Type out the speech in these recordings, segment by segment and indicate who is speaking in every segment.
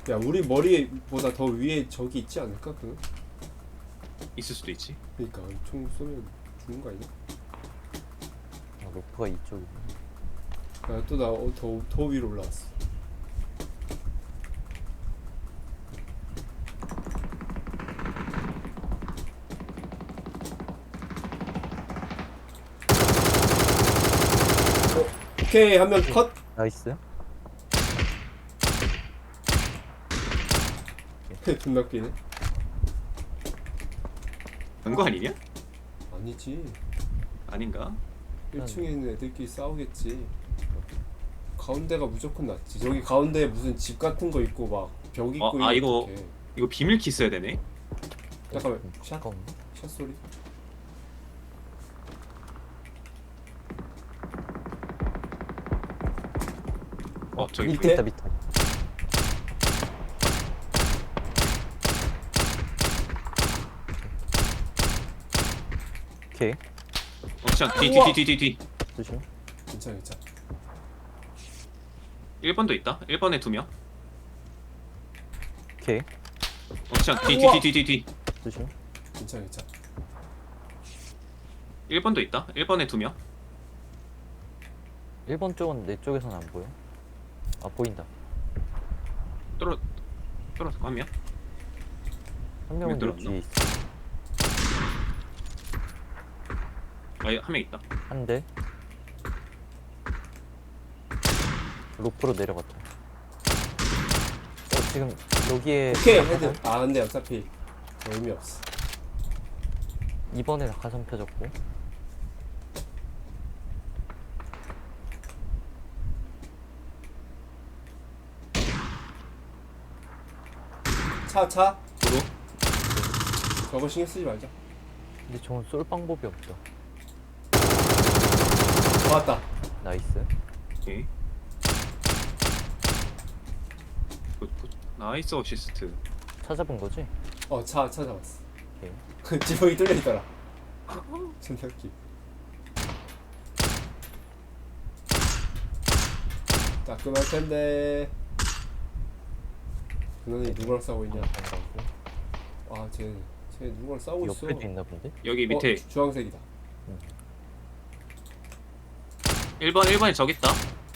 Speaker 1: 야 우리 머리보다 더 위에 적이 있지 않을까? 그
Speaker 2: 있을 수도 있지.
Speaker 1: 그니까 총 쏘면 죽는 거 아니야?
Speaker 3: 아, 로프가 이쪽이네.
Speaker 1: 야또나더 위로 올라왔어. 오케이 한 명 컷.
Speaker 3: 나이스.
Speaker 1: 존나 웃기네.
Speaker 2: 그거 아니냐?
Speaker 1: 아니지.
Speaker 2: 아닌가?
Speaker 1: 1층에 있는 애들끼리 싸우겠지. 가운데가 무조건 낫지. 저기 가운데에 무슨 집 같은 거 있고 막 벽 있고
Speaker 2: 아,
Speaker 1: 이거
Speaker 2: 이거-
Speaker 1: 어떡해.
Speaker 2: 이거 비밀 키 써야 되네.
Speaker 1: 잠깐만 샷?
Speaker 3: 잠깐만.
Speaker 1: 샷 소리.
Speaker 2: 저기
Speaker 1: 밑에?
Speaker 3: 있다 밑에. 오케이.
Speaker 2: 옥션
Speaker 1: 우와.
Speaker 2: 뒤.
Speaker 3: 조심.
Speaker 1: 괜찮아 괜찮아.
Speaker 2: 1번도 있다. 1번에 2명.
Speaker 3: 오케이.
Speaker 2: 옥션
Speaker 1: 우와.
Speaker 2: 뒤.
Speaker 3: 조심.
Speaker 1: 괜찮아 괜찮아.
Speaker 2: 1번도 있다. 1번에 2명.
Speaker 3: 1번 쪽은 내 쪽에서는 안 보여. 아 보인다.
Speaker 2: 떨어졌고 한 명.
Speaker 3: 한 명은
Speaker 2: 왜
Speaker 3: 여기
Speaker 2: 들어왔나?
Speaker 3: 뒤에 있어.
Speaker 2: 한 명 있다.
Speaker 3: 한 대. 로프로 내려갔다. 지금 여기에
Speaker 1: 오케이 헤드. 아 근데 어차피 의미 없어.
Speaker 3: 2번에 낙하산 펴졌고.
Speaker 1: 차.
Speaker 2: 도로.
Speaker 1: 저거 신경 쓰지 말자.
Speaker 3: 근데 저건 쏠 방법이 없다.
Speaker 1: 왔다.
Speaker 3: 나이스.
Speaker 2: 오케이. 굿. 나이스 어시스트.
Speaker 3: 찾아본 거지?
Speaker 1: 차 찾아왔어.
Speaker 3: 오케이.
Speaker 1: 지붕이 뚫려 있더라. 존나 웃기. 따끔할 텐데. 그놈이 누구랑 싸우고 있냐? 쟤 누구랑 싸우고 있어?
Speaker 3: 옆에도 있나 본데?
Speaker 2: 여기 밑에
Speaker 1: 주황색이다.
Speaker 2: 1번에 저기 있다.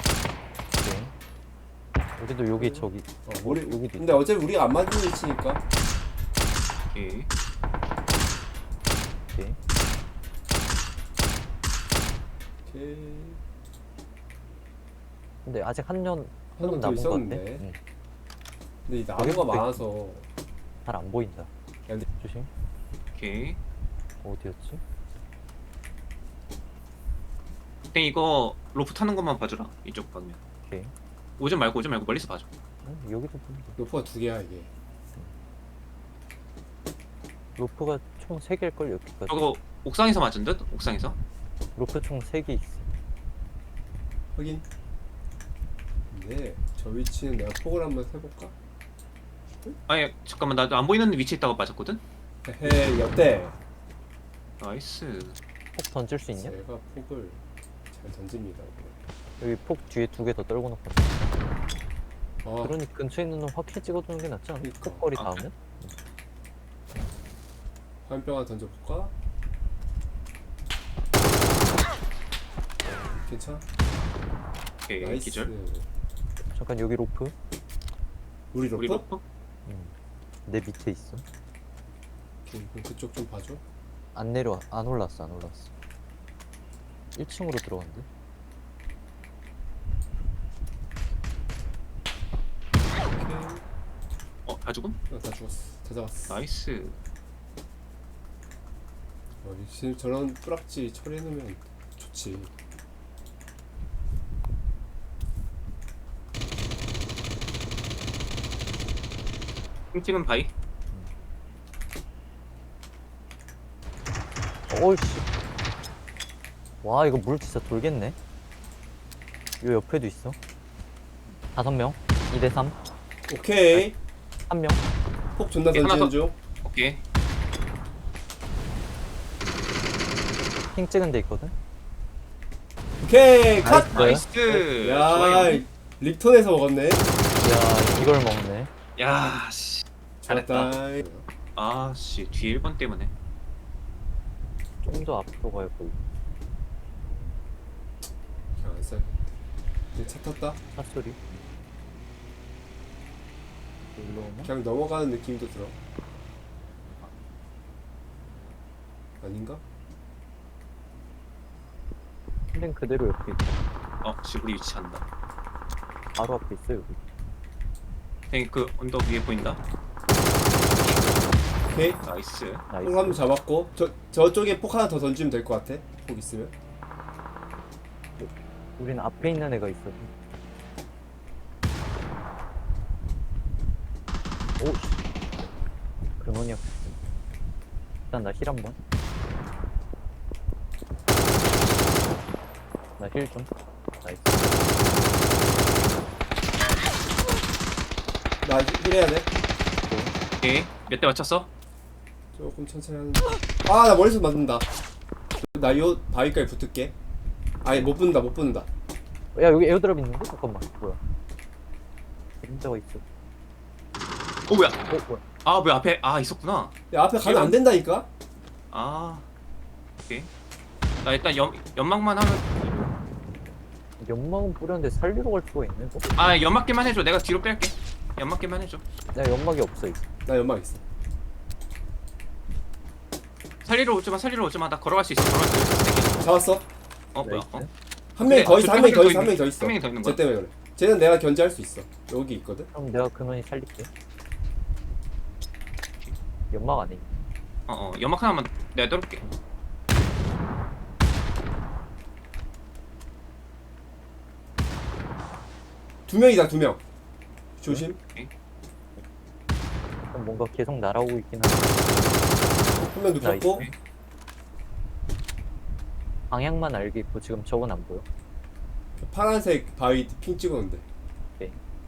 Speaker 3: 오케이. 여기도 여기 저기.
Speaker 1: 우리
Speaker 3: 여기도
Speaker 1: 근데 어차피 우리가 안 맞는 위치니까.
Speaker 2: 오케이.
Speaker 3: 오케이.
Speaker 1: 오케이.
Speaker 3: 근데 아직 한년
Speaker 1: 한 놈 더
Speaker 3: 남은 거 같네.
Speaker 1: 있었는데.
Speaker 3: 응.
Speaker 1: 근데 이 나무가
Speaker 3: 여기도
Speaker 1: 많아서.
Speaker 3: 잘 안 보인다.
Speaker 1: 근데
Speaker 3: 조심.
Speaker 2: 오케이.
Speaker 3: 어디였지?
Speaker 2: 땡 이거 로프 타는 것만 봐주라. 이쪽 방면.
Speaker 3: 오케이.
Speaker 2: 오지 말고 멀리서 봐줘.
Speaker 3: 여기도 보인다.
Speaker 1: 로프가 2개야 이게.
Speaker 3: 로프가 총 3개일걸 여기까지.
Speaker 2: 저거 옥상에서 맞은 듯? 옥상에서?
Speaker 3: 로프 총 3개 있어.
Speaker 1: 확인. 근데 저 위치는 내가 폭을 한번 해볼까?
Speaker 2: 아니 잠깐만 나 안 보이는 위치에 있다고 맞았거든?
Speaker 1: 헤헤 옆대.
Speaker 2: 나이스.
Speaker 3: 폭 던질 수 있냐?
Speaker 1: 제가 폭을 잘 던집니다.
Speaker 3: 여기 폭 뒤에 2개 더 떨고 놓고.
Speaker 1: 아,
Speaker 3: 그러니 근처에 있는 놈 확실히 찍어두는 게 낫지 않아?
Speaker 1: 그러니까.
Speaker 3: 끝거리
Speaker 2: 아,
Speaker 3: 다음에?
Speaker 1: 화염병 하나 던져볼까? 괜찮아?
Speaker 2: 오케이
Speaker 1: 나이스.
Speaker 2: 기절.
Speaker 3: 잠깐 여기 로프.
Speaker 1: 우리 로프?
Speaker 2: 우리 로프?
Speaker 3: 내 밑에 있어.
Speaker 1: 그럼 그쪽 좀 봐줘.
Speaker 3: 안 내려와. 안 올랐어. 1층으로 들어간대.
Speaker 1: 오케이.
Speaker 2: 다 죽음?
Speaker 1: 다 죽었어. 다 잡았어.
Speaker 2: 나이스.
Speaker 1: 지금 저런 뿌락지 처리해놓으면 좋지.
Speaker 2: 킹찍은 바이.
Speaker 3: 어이씨. 와 이거 물 진짜 돌겠네. 요 옆에도 있어. 5명. 2대3.
Speaker 1: 오케이.
Speaker 3: 1명.
Speaker 1: 폭 존나
Speaker 2: 오케이, 하나
Speaker 1: 던지는
Speaker 2: 더.
Speaker 1: 중.
Speaker 2: 오케이.
Speaker 3: 핑 찍은 데 있거든.
Speaker 1: 오케이 컷.
Speaker 3: 나이스.
Speaker 2: 나이스.
Speaker 1: 야
Speaker 2: 좋아요.
Speaker 1: 립톤에서 먹었네.
Speaker 3: 야 이걸 먹네.
Speaker 2: 야, 씨. 잘했다.
Speaker 1: 좋았다.
Speaker 2: 아, 씨. 뒤에 1번 때문에.
Speaker 3: 좀 더 앞으로 가야 보이.
Speaker 1: 그냥 안 써. 이제 차 탔다.
Speaker 3: 차 소리. 일로 오나?
Speaker 1: 그냥 넘어가는 느낌도 들어. 아닌가?
Speaker 3: 힐링 그대로 옆에 있다.
Speaker 2: 지브리 위치 한다.
Speaker 3: 바로 앞에 있어 여기.
Speaker 2: 형이 그 언덕 위에 보인다.
Speaker 1: 오케이.
Speaker 2: 나이스.
Speaker 3: 나이스.
Speaker 1: 폭 한 번 잡았고 저쪽에 폭 하나 더 던지면 될 것 같아. 폭 있으면.
Speaker 3: 우린 앞에 있는 애가 있어. 오. 근원이 없어. 일단 나 힐 한 번. 나 힐 좀. 나이스.
Speaker 1: 나 힐해야 돼.
Speaker 2: 오케이. 몇 대 맞췄어?
Speaker 1: 조금 천천히 하는데. 아, 나 머리에서 맞는다. 나 요 바위까지 붙을게. 아니 못 붙는다, 못 붙는다.
Speaker 3: 야 여기 에어드랍 있는데? 잠깐만. 뭐야? 그림자가 있어.
Speaker 2: 뭐야?
Speaker 3: 뭐야?
Speaker 2: 아, 왜 앞에 있었구나.
Speaker 1: 야, 앞에 가면 안 된다니까.
Speaker 2: 아. 오케이. 나 일단 연막만 하면
Speaker 3: 연막은 뿌렸는데 살리러 갈 수가 있네.
Speaker 2: 연막기만 해줘. 내가 뒤로 뺄게. 연막기만 해줘.
Speaker 3: 나 연막이 없어 이제.
Speaker 1: 나 연막 있어.
Speaker 2: 살리러 오지 마. 나 걸어갈 수 있어. 걸어갈 수 있어.
Speaker 1: 잡았어.
Speaker 2: 뭐야?
Speaker 3: 나이스.
Speaker 1: 한 명이 더 있어, 한 명이 더 있어, 한
Speaker 2: 있는-
Speaker 1: 명이 더 있어.
Speaker 2: 한 명이 더 있는 거야?
Speaker 1: 쟤 때문에 그래. 쟤는 내가 견제할 수 있어. 여기 있거든.
Speaker 3: 그럼 내가 근원이 살릴게. 연막 안에 있네.
Speaker 2: 연막 하나만 내가 떨을게.
Speaker 1: 두 명이다, 두 명. 조심.
Speaker 3: 그럼 뭔가 계속 날아오고 있긴 한데
Speaker 1: 한 명 눕혔고.
Speaker 3: 나이스. 방향만 알겠고 지금 저건 안 보여.
Speaker 1: 파란색 바위 핑 찍었는데.
Speaker 3: 오케이.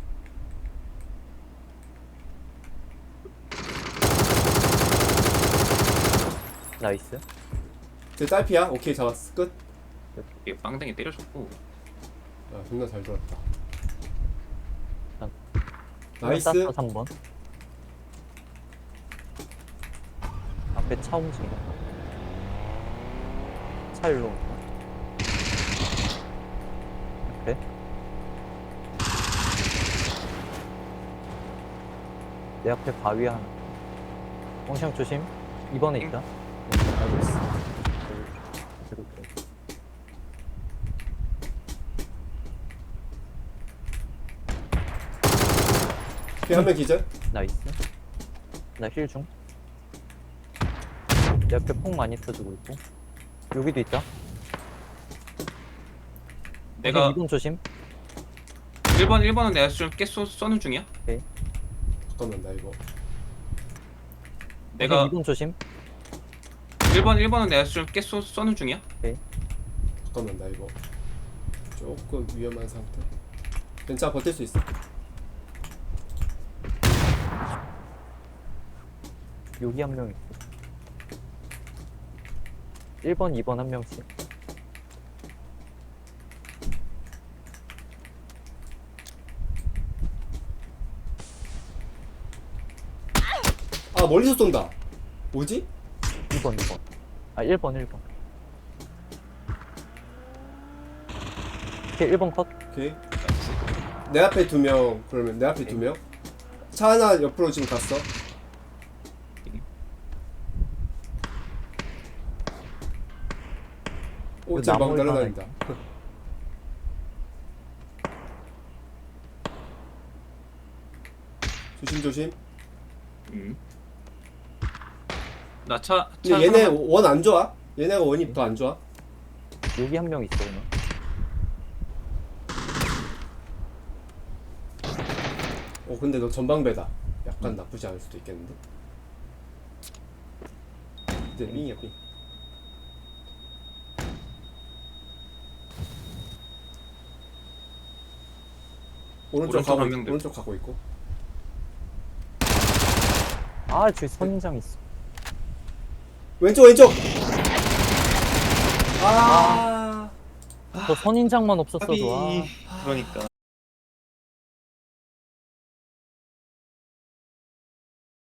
Speaker 3: 나이스.
Speaker 1: 쟤 딸피야. 오케이, 잡았어. 끝.
Speaker 2: 이게 빵댕이 때려줬고.
Speaker 1: 아, 존나 잘 돌았다.
Speaker 3: 난-
Speaker 1: 나이스.
Speaker 3: 3번. 앞에 차 움직이네. 차 일로 온다. 앞에. 내 앞에 바위 하나. 엉샹 조심. 2번에 있다. 알고 있어.
Speaker 1: 오케이, 한 명 기절.
Speaker 3: 나이스. 나 힐 중. 내 앞에 폭 많이 터지고 있고. 여기도 있다.
Speaker 2: 내가
Speaker 3: 2번 조심.
Speaker 2: 1번은 내가 좀 깨 쏘는 중이야.
Speaker 1: 잠깐만, 나 이거.
Speaker 2: 내가
Speaker 3: 2번 조심.
Speaker 2: 1번은 내가 좀 깨 쏘는 중이야.
Speaker 1: 잠깐만, 나 이거. 조금 위험한 상태. 괜찮아, 버틸 수 있어.
Speaker 3: 여기 한 명 있고. 1번, 2번 한 명씩.
Speaker 1: 아, 멀리서 쏜다. 뭐지?
Speaker 3: 2번, 2번. 아, 1번, 1번. 오케이, 1번 컷.
Speaker 1: 오케이. 내 앞에 두 명. 그러면 내 앞에 두 명. 차 하나 옆으로 지금 갔어. 오, 쟤 막
Speaker 3: 나무에 하나
Speaker 1: 날아다닌다. 조심 조심.
Speaker 2: 나 차
Speaker 1: 근데 얘네
Speaker 2: 하나만-
Speaker 1: 원 안 좋아. 얘네가 원이 더 안 좋아.
Speaker 3: 여기 한 명 있어, 그냥.
Speaker 1: 근데 너 전방배다. 약간 나쁘지 않을 수도 있겠는데. 이제 삥이야 삥. 오른쪽
Speaker 2: 오른쪽
Speaker 1: 가고
Speaker 2: 한 명들.
Speaker 1: 오른쪽 가고 있고.
Speaker 3: 아, 저기 선인장 있어.
Speaker 1: 왼쪽 왼쪽. 아.
Speaker 3: 저 선인장만 없었어도, 아.
Speaker 2: 그러니까.